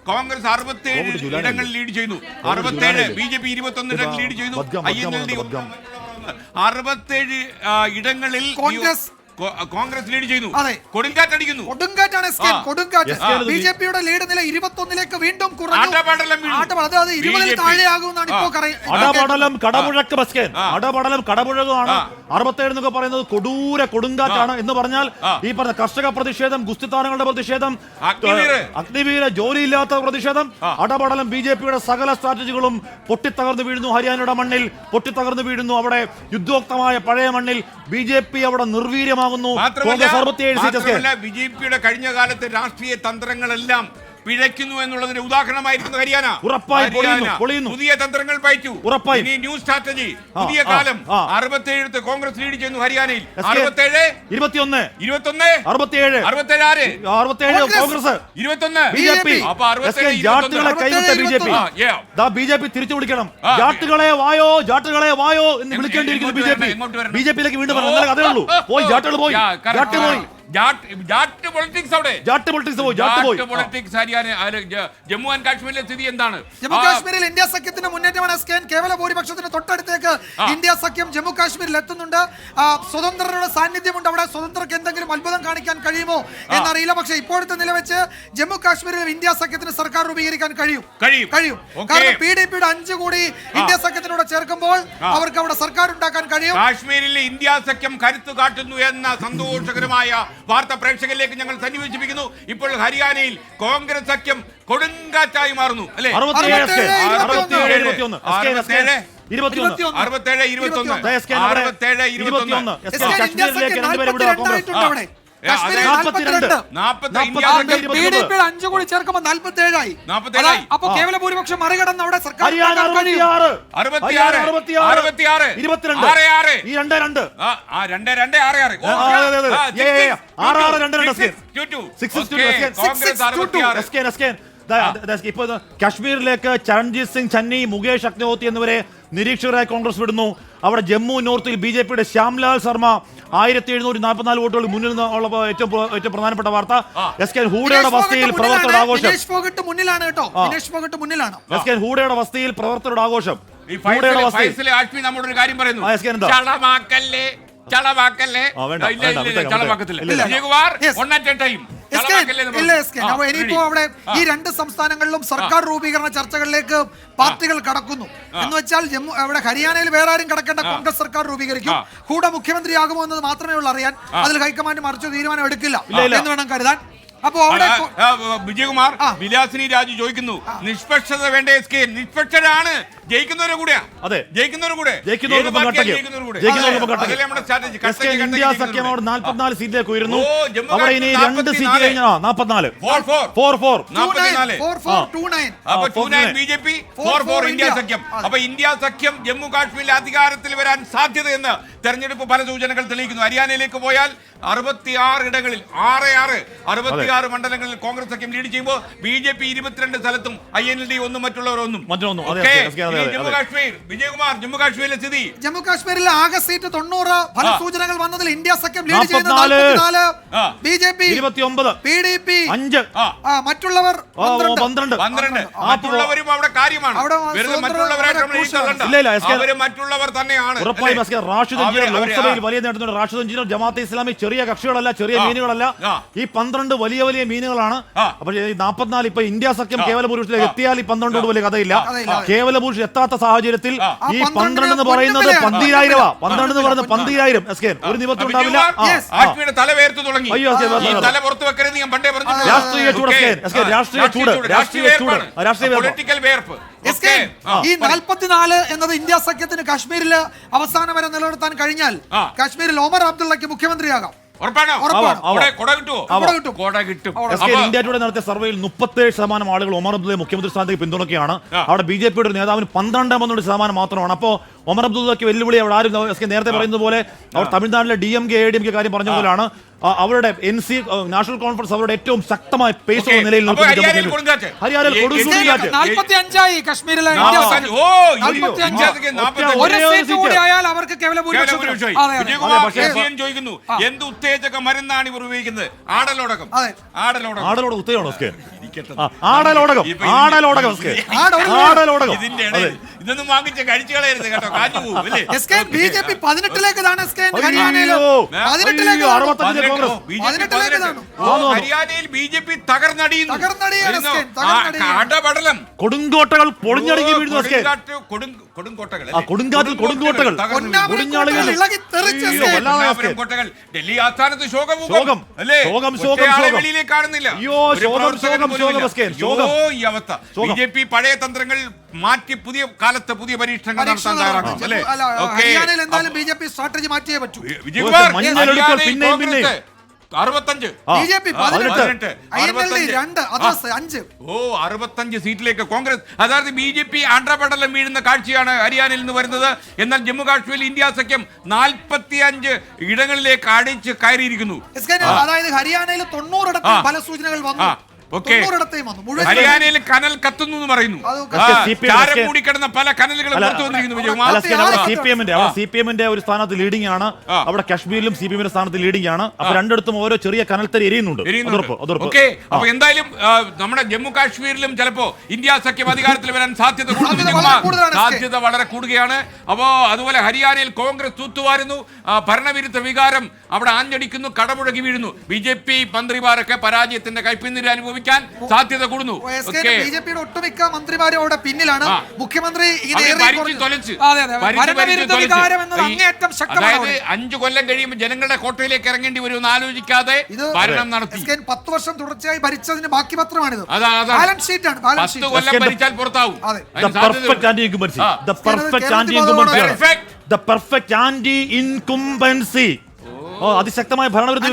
കോൺഗ്രസ് 67 ഇടങ്ങളിൽ ലീഡ് ചെയ്യുന്നു. 67 BJP 21 ഇടങ്ങളിൽ ലീഡ് ചെയ്യുന്നു. INLD 67 ഇടങ്ങളിൽ കോൺഗ്രസ് ലീഡ് ചെയ്യുന്നു. കൊടുങ്കാറ്റടിക്കുന്നു. കൊടുങ്കാറ്റാണ് കൊടുങ്കാറ്റ്. ബിജെപിയുടെ ലീഡ് നില 21ലേക്ക് വീണ്ടും കുറഞ്ഞു. അതായത് 20-ൽ താഴെയാകുമെന്നാണ് ഇപ്പോൾ അടപടലം കടമുഴക്ക് അടപടലം കടമുഴകാണ്. 67 എന്നൊക്കെ പറയുന്നത് കൊടൂര കൊടുങ്കാറ്റാണ് എന്ന് പറഞ്ഞാൽ ഈ പറഞ്ഞ കർഷക പ്രതിഷേധം, ഗുസ്തിത്താരങ്ങളുടെ പ്രതിഷേധം, അഗ്നിവീര ജോലിയില്ലാത്ത പ്രതിഷേധം, അടപടലം BJPയുടെ സകല സ്ട്രാറ്റജികളും പൊട്ടിത്തകർന്നു വീഴുന്നു. ഹരിയാനയുടെ മണ്ണിൽ പൊട്ടിത്തകർന്നു വീഴുന്നു. അവിടെ യുദ്ധോക്തമായ പഴയ മണ്ണിൽ BJP അവിടെ നിർവീര്യമാകുന്നു. BJPയുടെ കഴിഞ്ഞ കാലത്തെ രാഷ്ട്രീയ തന്ത്രങ്ങളെല്ലാം പിഴയ്ക്കുന്നു എന്നുള്ളതിന്റെ ഉദാഹരണമായിരിക്കുന്നു ഹരിയാന. പുതിയ തന്ത്രങ്ങൾ പയറ്റു. ഇനി ന്യൂ സ്ട്രാറ്റജി, പുതിയ കാലം. 67 കോൺഗ്രസ് ലീഡ് ചെയ്യുന്നു ഹരിയാനയിൽ. 67 21 21 67 67 ആര്? 67 കോൺഗ്രസ്, 21 BJP. അപ്പൊ 67 ജാട്ടുകളെ കൈവിട്ട BJP തിരിച്ചു വിളിക്കണം. ജാട്ടുകളെ വായോ, ജാട്ടുകളെ വായോ എന്ന് വിളിക്കേണ്ടിയിരിക്കുന്നു BJPയിലേക്ക് വീണ്ടും വരണം. അതേ ഉള്ളൂ. പോയി ജാട്ടുകൾ പോയി, ജാട്ട് പോയി. ജമ്മു ആൻഡ് കാശ്മീരിലെ സ്ഥിതി എന്താണ്? ജമ്മു കാശ്മീരിൽ ഇന്ത്യ സഖ്യത്തിന് മുന്നേറ്റമാണ്. കേവല ഭൂരിപക്ഷത്തിന് തൊട്ടടുത്തേക്ക് ഇന്ത്യ സഖ്യം ജമ്മു കാശ്മീരിൽ എത്തുന്നുണ്ട്. സ്വതന്ത്രരുടെ സാന്നിധ്യമുണ്ട് അവിടെ. സ്വതന്ത്രർക്ക് എന്തെങ്കിലും അത്ഭുതം കാണിക്കാൻ കഴിയുമോ എന്നറിയില്ല. പക്ഷേ ഇപ്പോഴത്തെ നില വെച്ച് ജമ്മു കാശ്മീരിൽ ഇന്ത്യ സഖ്യത്തിന് സർക്കാർ രൂപീകരിക്കാൻ കഴിയും. കാരണം PDPയുടെ 5 കൂടി ഇന്ത്യ സഖ്യത്തിനോട് ചേർക്കുമ്പോൾ അവർക്ക് അവിടെ സർക്കാർ ഉണ്ടാക്കാൻ കഴിയും. കാശ്മീരിലെ ഇന്ത്യ സഖ്യം കരുത്തു കാട്ടുന്നു എന്ന സന്തോഷകരമായ വാർത്ത പ്രേക്ഷകരിലേക്ക് ഞങ്ങൾ സന്നിവേശിപ്പിക്കുന്നു. ഇപ്പോൾ ഹരിയാനയിൽ കോൺഗ്രസ് സഖ്യം കൊടുങ്കാറ്റായി മാറുന്നു അല്ലെ? 67 കൂടി ചേർക്കുമ്പോൾ 47 ആയി. അപ്പൊ കേവല ഭൂരിപക്ഷം മറികടന്ന് അവിടെ സർക്കാർ ഇപ്പൊ കാശ്മീരിലേക്ക് ചരൺജീത് സിംഗ് ചന്നി, മുകേഷ് അഗ്നിഹോത്രി എന്നിവരെ നിരീക്ഷകരായി കോൺഗ്രസ് വിടുന്നു. അവിടെ ജമ്മു നോർത്തിൽ BJPയുടെ ശ്യാംലാൽ ശർമ്മ 1744 വോട്ടുകൾ മുന്നിൽ ഉള്ള ഏറ്റവും പ്രധാനപ്പെട്ട വാർത്ത. SK ഹൂഡയുടെ വസതിയിൽ പ്രവർത്തകരുടെ ആഘോഷം. ഹൂഡയുടെ വസതിയിൽ പ്രവർത്തകരുടെ ആഘോഷം. നമ്മളൊരു കാര്യം പറയുന്നു. ഇനിയിപ്പോ അവിടെ ഈ 2 സംസ്ഥാനങ്ങളിലും സർക്കാർ രൂപീകരണ ചർച്ചകളിലേക്ക് പാർട്ടികൾ കടക്കുന്നു. എന്ന് വെച്ചാൽ അവിടെ ഹരിയാനയിൽ വേറെ ആരും കടക്കേണ്ട, കോൺഗ്രസ് സർക്കാർ രൂപീകരിക്കും. കൂടെ മുഖ്യമന്ത്രിയാകുമോ എന്നത് മാത്രമേ ഉള്ളൂ അറിയാൻ. അതിൽ ഹൈക്കമാൻഡ് മറിച്ച് തീരുമാനം എടുക്കില്ല എന്ന് വേണം കരുതാൻ. അപ്പോ അവിടെ വിജയകുമാർ വിലാസിനി രാജു ചോദിക്കുന്നു, നിഷ്പക്ഷത വേണ്ട? നിഷ്പക്ഷരാണ് ജയിക്കുന്നവരെ കൂടെ. ഇന്ത്യ സഖ്യം അവിടെ 44 സീറ്റിലേക്ക് ഉയരുന്നു. അവിടെ ഇനി 2 സീറ്റ് കഴിഞ്ഞാൽ 44 BJP 4 ഇന്ത്യ സഖ്യം. അപ്പൊ ഇന്ത്യ സഖ്യം ജമ്മു കാശ്മീരിലെ അധികാരത്തിൽ വരാൻ സാധ്യതയെന്ന് തെരഞ്ഞെടുപ്പ് ഫല സൂചനകൾ തെളിയിക്കുന്നു. ഹരിയാനയിലേക്ക് പോയാൽ 66 ഇടങ്ങളിൽ 66 മണ്ഡലങ്ങളിൽ കോൺഗ്രസ് സഖ്യം ലീഡ് ചെയ്യുമ്പോൾ BJP 22 സ്ഥലത്തും INLD ഒന്നും മറ്റുള്ളവർ ഒന്നും. ജമ്മു കാശ്മീർ, വിജയകുമാർ, ജമ്മു കാശ്മീരിലെ സ്ഥിതി. ജമ്മു കാശ്മീരിലെ ആകെ സീറ്റ് 90. ഫല സൂചനകൾ വന്നതിൽ ഇന്ത്യ സഖ്യം ലീഡ് ചെയ്യുന്നത് 44, BJP 29, PDP 5, മറ്റുള്ളവർ 12. മറ്റുള്ളവരും അവിടെ കാര്യമാണ്. മറ്റുള്ളവർ തന്നെയാണ്. ലോക്സഭയിൽ വലിയ നേട്ടം. റാഷിദ് എഞ്ചിനീയർ, ജമാഅത്തെ ഇസ്ലാമി ചെറിയ കക്ഷികളല്ല, ചെറിയ മീനുകളല്ല. ഈ 12 വലിയ വലിയ മീനുകളാണ്. പക്ഷേ ഈ 44 ഇപ്പൊ ഇന്ത്യ സഖ്യം കേവല ഭൂരിപക്ഷത്തിലേക്ക് എത്തിയാൽ ഈ 12 വലിയ കഥയില്ല. കേവല ഭൂരിപക്ഷം എത്താത്ത സാഹചര്യത്തിൽ ഈ 12 എന്ന് പറയുന്നത് 12,000. 12 എന്ന് പറയുന്നത് 12,000. ഒരു നിമിത്തം ഉണ്ടാവില്ല. രാഷ്ട്രീയ ചൂട്, ഈ 44 എന്നത് ഇന്ത്യ സഖ്യത്തിന് കാശ്മീരിൽ അവസാനം വരെ നിലനിർത്താൻ കഴിഞ്ഞാൽ കാശ്മീരിൽ ഒമർ അബ്ദുള്ളക്ക് മുഖ്യമന്ത്രിയാകാം. ഇന്ത്യ ടുഡേ നടത്തിയ സർവേയിൽ 37% ആളുകൾ ഒമർ അബ്ദുള്ളയെ മുഖ്യമന്ത്രി സ്ഥാനത്തേക്ക് പിന്തുണയ്ക്കുകയാണ്. അവിടെ BJPയുടെ നേതാവിന് 12% മാത്രമാണ്. അപ്പോൾ ഒമർ അബ്ദുള്ളക്ക് വെല്ലുവിളി അവിടെ ആരും നേരത്തെ പറയുന്നത് പോലെ അവർ തമിഴ്നാട്ടിലെ DMK ADMK കാര്യം പറഞ്ഞ പോലെയാണ് അവരുടെ NC നാഷണൽ കോൺഫറൻസ് അവരുടെ ഏറ്റവും ശക്തമായ പേസ് ഉള്ള നിലയിൽ ഹരിയാനയിൽ കൊടുങ്കാറ്റ്. ഹരിയാനയിൽ കൊടുങ്കാറ്റ് 45 കാശ്മീരിലെ ഒരു സീറ്റ് കൂടി ആയാൽ അവർക്ക് കേവല ഭൂരിപക്ഷമായി. ചോദിക്കുന്നു എന്ത് ഉത്തേജക മരുന്നാണ് ഇവർ ഉപയോഗിക്കുന്നത്? ആടലോടകം. ആടലോടകം ഉത്തേജകം ആടലോടകം ഇതിന്റെ ഇടയിൽ ഇതൊന്നും വാങ്ങിച്ച കഴിച്ചു കളയരുത് കേട്ടോ, കാഞ്ഞു പോകും. BJP 18ലേക്ക് ഹരിയാനയിൽ BJP തകർന്നടിയുന്നു. അടപടലം കൊടുങ്കോട്ടകൾ പൊളിഞ്ഞടങ്ങി വീഴുന്നു. കൊടുങ്കാറ്റുകൾ ഡൽഹി ആസ്ഥാനത്ത് ശോകം അല്ലേ? വെളിയിലേക്ക് കാണുന്നില്ല. ഈ അവസ്ഥ BJP പഴയ തന്ത്രങ്ങൾ മാറ്റി പുതിയ കാലത്ത് പുതിയ പരീക്ഷണങ്ങൾ നടത്താൻ തയ്യാറാക്കും അല്ലേ? എന്തായാലും BJP സ്ട്രാറ്റജി മാറ്റിയേ പറ്റൂ. വിജയകുമാർ 65 65 സീറ്റിലേക്ക് കോൺഗ്രസ്. അതായത് BJP ആണ്ഡപടലം വീഴുന്ന കാഴ്ചയാണ് ഹരിയാനയിൽ നിന്ന് വരുന്നത്. എന്നാൽ ജമ്മു കാശ്മീരിൽ ഇന്ത്യ സഖ്യം 45 ഇടങ്ങളിലേക്ക് അടിച്ച് കയറിയിരിക്കുന്നു. അതായത് ഹരിയാനയിൽ 90 ഫല സൂചനകൾ വന്നു. ഹരിയാനയിൽ കനൽ കത്തുന്നു എന്ന് പറയുന്നു. മൂടിക്കിടന്ന പല കനലുകളും പുറത്തു വന്നിരിക്കുന്നു. CPM-ന്റെ ഒരു സ്ഥാനത്ത് ലീഡിംഗ് ആണ്. അവിടെ കാശ്മീരിലും CPM-ന്റെ സ്ഥാനത്ത് ലീഡിംഗ് ആണ്. അപ്പൊ രണ്ടിടത്തും ഓരോ ചെറിയ കനൽത്തരി എരിയുന്നുണ്ട്. അപ്പൊ എന്തായാലും നമ്മുടെ ജമ്മു കാശ്മീരിലും ചിലപ്പോ ഇന്ത്യ സഖ്യം അധികാരത്തിൽ വരാൻ സാധ്യത വളരെ കൂടുകയാണ്. അപ്പോ അതുപോലെ ഹരിയാനയിൽ കോൺഗ്രസ് തൂത്തുവാരുന്നു. ഭരണവിരുദ്ധ വികാരം അവിടെ ആഞ്ഞടിക്കുന്നു, കടമുഴകി വീഴുന്നു. BJP മന്ത്രിമാരൊക്കെ പരാജയത്തിന്റെ കൈപ്പിന്നിര അനുഭവിക്കും സാധ്യത കൂടുന്നു. BJP-യുടെ ഒട്ടുമിക്ക മന്ത്രിമാരും അവിടെ പിന്നിലാണ്. മുഖ്യമന്ത്രി 5 കൊല്ലം കഴിയുമ്പോൾ ജനങ്ങളുടെ കോട്ടയിലേക്ക് ഇറങ്ങേണ്ടി വരുമെന്ന് ആലോചിക്കാതെ ഭരണം നടത്തി 10 വർഷം തുടർച്ചയായി ഭരിച്ചതിന് ബാക്കി പത്രമാണിത്. 10 കൊല്ലം ഭരിച്ചാൽ പുറത്താവും. അതിശക്തമായ ഭരണവിരുദ്ധ